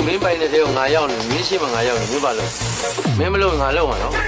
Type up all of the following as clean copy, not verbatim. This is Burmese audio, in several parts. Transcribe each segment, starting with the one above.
မင်းပိုင်တဲ့တဲ့ကိုငါရောက်နေမင်းရှိမှငါရောက်နေမင်းပါလို့မင်းမလို့ငါလောက်မှာနော်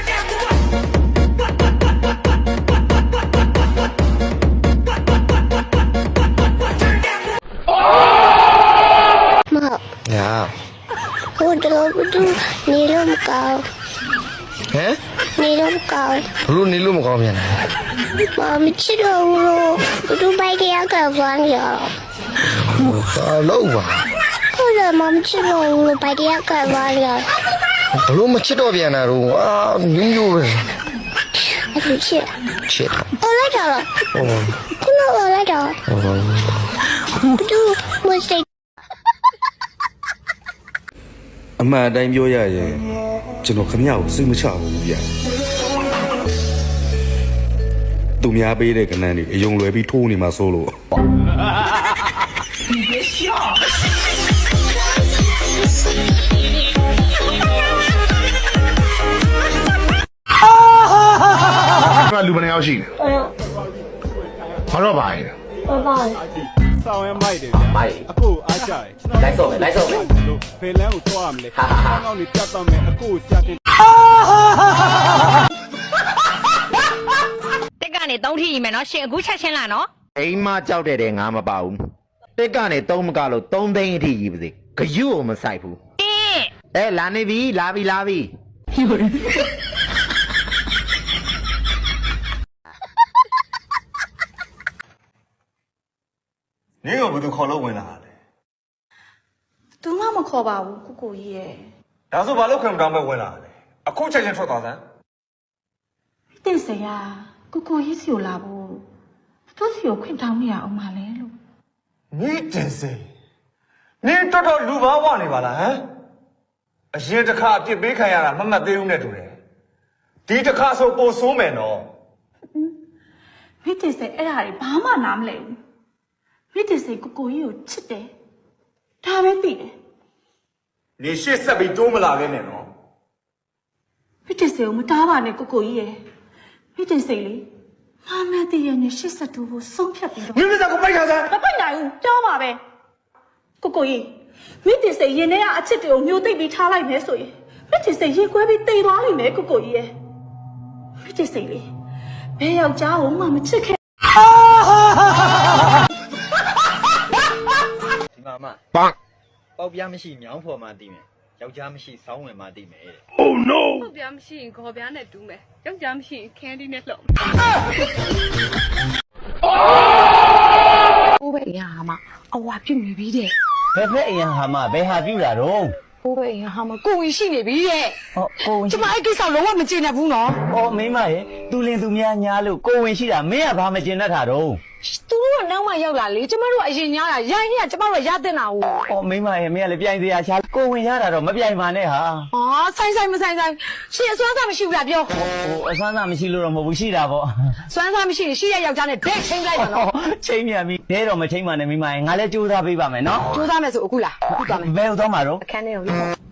ညာဟိုတော့ဘူးနေလို့မကောင်းဟမ်နေလို့မကောင်းဘလို့နေလို့မကောင်းပြန်လဲမချစ်တော့ဘူးလို့ဘူးပိုက်တရားကဘာလဲဘာလို့ပါဟုတ်တယ်မချစ်တော့ဘူးလို့ပိုက်တရားကဘာလဲဘလို့မချစ်တော့ပြန်တာတော့အာမျိုးမျိုးပဲအဲ့ချစ်အော်လိုက်တော့ခုနကလိုက်တော့ဘူးမစိတ်အမှန်အတိုင်းပြောရရင်ကျွန်တော်ခမရကိုစိတ်မချဘူးဗျာသူများပေးတဲ့ကဏ္ဍတွေအယုံလွယ်ပြီးထိုးနေမှာစိုးလို့လူမနေအောင်ရှိနေဘာတော့ပါလဲဆောင်းရမိုက်တယ်ဗျာအခုအားကြတယ်လိုက်ဆုံးမယ်ဖေလန်းကိုတွားရမလဲဆောင်းကောင်းနေပြတ်တော့မယ်အခုဆရာတင်တက်ကနေ3ထိရီမယ်နော်ရှင်အခုချက်ချင်းလာနော်အိမ်မကြောက်တဲ့ငါမပါဘူးတက်ကနေ3မကလို့3သိန်းအထိကြီးပါစေဂယုကိုမဆိုင်ဘူးလာနေပြီလာပြီနင်းကဘယ်သူခေါ်လို့ဝင်လာလဲသူမှမခေါ်ပါဘူးကိုကြီးရဲ့ဒါဆိုဘာလို့ခွင့်မတောင်းမဲ့ဝင်လာလဲအခုချက်ချင်းထွက်သွားစမ်းတင်စရာကိုကြီးစီကိုလာဖို့သူစီကိုခွင့်တောင်းနေရအောင်မလဲလို့နင်းတင်စေနင်းတော်တော်လူဘာဝနေပါလားဟမ်အရင်တစ်ခါအပြစ်ပေးခံရတာမမှတ်သေးဘူးနဲ့တူတယ်ဒီတစ်ခါဆိုပိုဆိုးမယ်နော်မိတင်စေအဲ့ဒါတွေဘာမှနားမလဲဘူးမိတင်စေကိုကြီးကိုချစ်တယ်ဒါပဲသိတယ်နေရှေ့ဆက်ပြီးတိုးမလာခဲ့နဲ့နော်မိတင်စေကိုမတားပါနဲ့ကိုကြီးရဲ့မိတင်စေလေငါမဲတည်ရနေရှေ့ဆက်တူဖို့ဆုံးဖြတ်ပြီးတော့မင်းမစားကိုပိုက်ခါစားမပိုက်နိုင်ဘူးပြောပါပဲကိုကြီးမိတင်စေရင်ထဲကအချစ်တွေကိုမျိုးသိပ်ပြီးထားလိုက်မယ်ဆိုရင်မိတင်စေရေခွဲပြီးတိတ်သွားလိမ့်မယ်ကိုကြီးရဲ့မိတင်စေလေဘယ်ယောက်ျားကိုမှမချစ်ခဲ့ဒီမှာမပေါက်ပြားမရှိမြောင်းဖော်မှသိမယ်ယောက်ျားမရှိစောင်းဝင်မှသိမယ် Oh no ပေါက်ပြားမရှိရင်ခေါ်ပြားနဲ့တူးမယ်ယောက်ျားမရှိရင်ခန်းဒီနဲ့လှုပ်ဘိုးဘေးရဟာမအဝါပြုတ်နေပြီတဲ့ဘယ်ဖက်အရင်ဟာမဘယ်ဟာပြူတာတော့ဘိုးဘေးရဟာမကိုဝင်ရှိနေပြီတဲ့ကိုဝင်ကျမအဲ့ကိစ္စလုံးဝမကျေနပ်ဘူးနော်မင်းမရဲ့သူလင်သူများညားလို့ကိုဝင်ရှိတာမင်းကဘာမကျင်တတ်တာတော့သူတို့ကနောက်မှရောက်လာလေကျမတို့အရင်ညားတာရိုင်းကျမတို့ရတဲ့နာကိုမင်းမရဲ့မင်းကလည်းပြိုင်စရာရှာကိုဝင်ရတာတော့မပြိုင်ပါနဲ့ဟာဆိုင်မဆိုင်ရှင်အစွမ်းစားမရှိဘူးလားပြောအစွမ်းစားမရှိလို့တော့မဟုတ်ဘူးရှိတာပေါ့စွမ်းစားမရှိရင်ရှိရယောက်ျားနဲ့ဒိတ်ချင်းလိုက်ပါနော်ချင်းမြန်ပြီဒဲတော့မချင်းပါနဲ့မင်းမရဲ့ငါလည်းကြိုးစားပေးပါမယ်နော်ကြိုးစားမယ်ဆိုအခုလားအခုသွားမယ်ဘယ်တော့မှတော့အခန်းထဲကို